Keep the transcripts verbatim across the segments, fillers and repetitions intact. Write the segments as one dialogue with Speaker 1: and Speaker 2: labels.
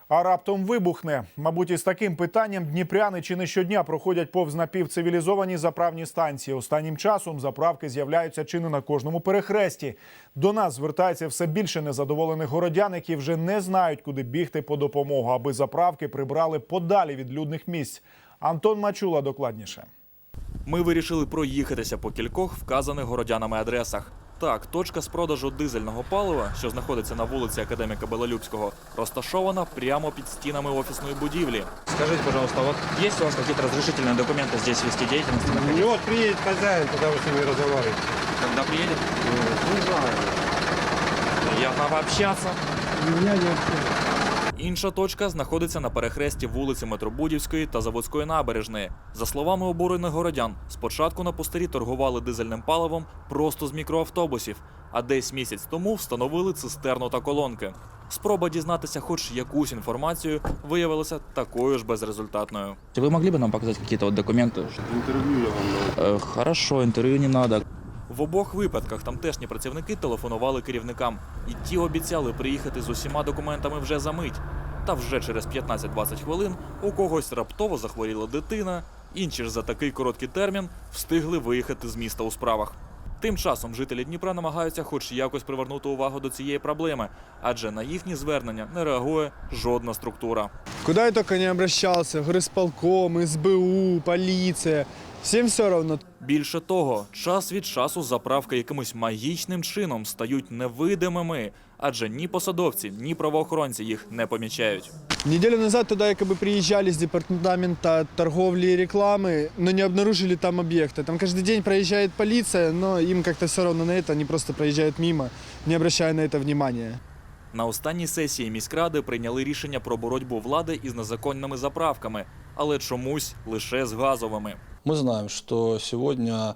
Speaker 1: А раптом вибухне. Мабуть, із таким питанням дніпряни чи не щодня проходять повз напівцивілізовані заправні станції. Останнім часом заправки з'являються чи не на кожному перехресті. До нас звертається все більше незадоволених городян, які вже не знають, куди бігти по допомогу, аби заправки прибрали подалі від людних місць. Антон Мачула докладніше.
Speaker 2: Ми вирішили проїхатися по кількох вказаних городянами адресах. Так, точка з продажу дизельного палива, що знаходиться на вулиці Академіка Белолюбського, розташована прямо під стінами офісної будівлі.
Speaker 3: Скажите, пожалуйста, вот есть у вас какие-то разрешительные документы здесь вести деятельность?
Speaker 4: Ну вот приедет хозяин, тогда вы с ними разговариваете.
Speaker 3: Когда приедет?
Speaker 4: Не знаю.
Speaker 3: Приятно пообщаться.
Speaker 4: Меня не общается.
Speaker 2: Інша точка знаходиться на перехресті вулиці Метробудівської та Заводської набережної. За словами обурених городян, спочатку на пустирі торгували дизельним паливом просто з мікроавтобусів, а десь місяць тому встановили цистерну та колонки. Спроба дізнатися хоч якусь інформацію виявилася такою ж безрезультатною.
Speaker 3: Вы могли бы нам показать какие-то вот документы?
Speaker 4: Интервью я вам дал.
Speaker 3: Э, Хорошо, интервью не надо.
Speaker 2: В обох випадках тамтешні працівники телефонували керівникам. І ті обіцяли приїхати з усіма документами вже за мить. Та вже через п'ятнадцять-двадцять хвилин у когось раптово захворіла дитина, інші ж за такий короткий термін встигли виїхати з міста у справах. Тим часом жителі Дніпра намагаються хоч якось привернути увагу до цієї проблеми, адже на їхні звернення не реагує жодна структура.
Speaker 5: Куда я только не обращался, в горисполком, эс бэ у, полиция, всем все равно.
Speaker 2: Більше того, час від часу заправки якимось магічним чином стають невидимими, адже ні посадовці, ні правоохоронці їх не помічають.
Speaker 5: Неделю назад туда якобы приезжали с департамента торговли и рекламы, но не обнаружили там объекта. Там каждый день проезжает полиция, но им как-то все равно на это, они просто проезжают мимо, не обращая на это внимания.
Speaker 2: На останній сесії міськради прийняли рішення про боротьбу влади із незаконними заправками, але чомусь лише з газовими.
Speaker 6: Мы знаем, что сегодня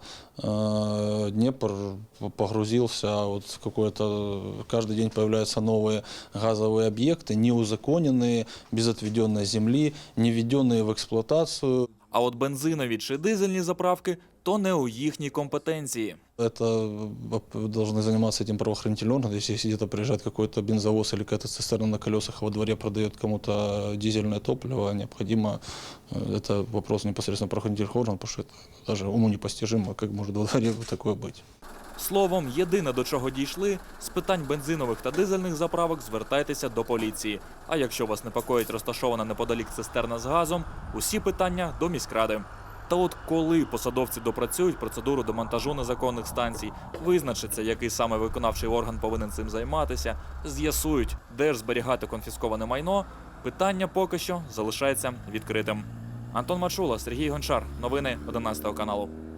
Speaker 6: э, Днепр погрузился, вот какой-то, каждый день появляются новые газовые объекты, неузаконенные, без отведенной земли, не введенные в эксплуатацию.
Speaker 2: А от бензинові чи дизельні заправки – то не у їхній компетенції.
Speaker 6: Это должны заниматься этим правоохранительные органы. Если где-то приезжает какой-то бензовоз или какая-то цистерна на колесах, а во дворе продает кому-то дизельное топливо, необходимо, это вопрос непосредственно правоохранительных органов, потому что это даже уму непостижимо, как может во дворе такое быть.
Speaker 2: Словом, єдине, до чого дійшли – з питань бензинових та дизельних заправок звертайтеся до поліції. А якщо вас непокоїть розташована неподалік цистерна з газом, усі питання до міськради. Та от коли посадовці допрацюють процедуру демонтажу незаконних станцій, визначиться, який саме виконавчий орган повинен цим займатися, з'ясують, де ж зберігати конфісковане майно, питання поки що залишається відкритим. Антон Мачула, Сергій Гончар. Новини одинадцятого каналу.